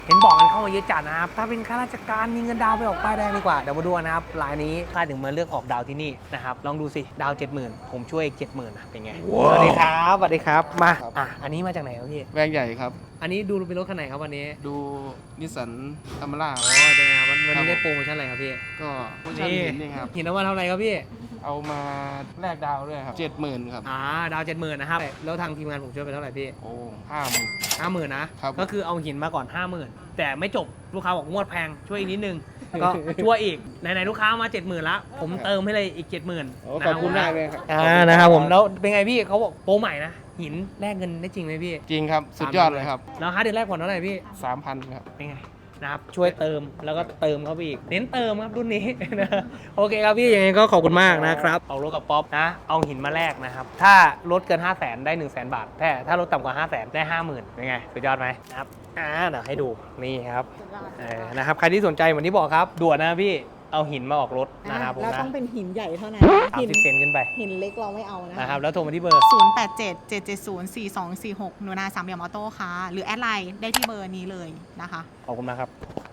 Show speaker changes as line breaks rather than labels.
เห็นบอกกันเข้ามาเยอะจัดนะครับถ้าเป็นข้าราชการมีเงินดาวไปออกป้ายแดงดีกว่าเดี๋ยวมาดูนะครับรายนี้ถ้าถึงมาเลือกออกดาวที่นี่นะครับลองดูสิดาว 70,000 ผมช่วยอีก 70,000นะเป็นไงสวัสดีครับสวัสดีครับมาอันนี้มาจากไหนครับพี่
แวงใหญ่ครับ
อันนี้ดูเป็นรถคันไหนครับวันนี้
ดูนิสสันอัมร่า
อ๋อใช่ไหมครับวันนี้ได้โปรโมชั่นอะไรครับพี่
ก็โปรโมชั่นเห็นนี่ครับ
เห็นว่าเท่าไหร่ครับพี่
เอามาแลกดาวด้วยครับ 70,000 ครับ
ดาว 70,000นะครับแล้วทางทีมงานผมช่วยไปเท่าไหร่พี่
โอ้50,000
50,000นะครับ ก็คือเอาหินมาก่อน 50,000แต่ไม่จบลูกค้าบอกงวดแพงช่วยอีกนิดนึงก็ช่วยอีกไหนๆลูกค้ามา 70,000ละผมเติมให้เลยอีก 70,000
ขอบคุณมากเลยครับ
นะครับผมแล้วเป็นไงพี่เขาบอกโปรใหม่นะหินแลกเงินได้จริงไหมพี่
จริงครับ สุดยอดเลยครับ
แล้ว5 เดือนแรกผ่อนเท่าไหร่พี่
3,000 ครับ
เป็นไงนะครับช่วยเติมแล้วก็เติมเข้าไปอีกเน้นเติมครับรุ่นนี้ นะโอเคครับพี่ยังไงก็ขอบคุณมากนะครับเอารถกับป๊อปนะเอาหินมาแลกนะครับถ้ารถเกิน 500,000 ได้ 100,000 บาทแต่ถ้ารถต่ำกว่า 500,000 ได้ 50,000เป็นไงสุดยอดไหมนะครับเดี๋ยวให้ดูนี่ครับนะครับใครที่สนใจเหมือนที่บอกครับด่วนนะพี่เอาหินมาออกรถนะครับผม
แล้ว
นะ
ต้องเป็นหินใหญ่เท่านั้นหิน
30 เซนขึ้นไป
หินเล็กเราไม่เอานะ
นะครับแล้วโทรมาที่เบอร์
0877704246 หนูนาสามเหลี่ยมออโต้ค่ะ หรือแอดไลน์ได้ที่เบอร์นี้เลยนะคะ
ขอบคุณมากครับ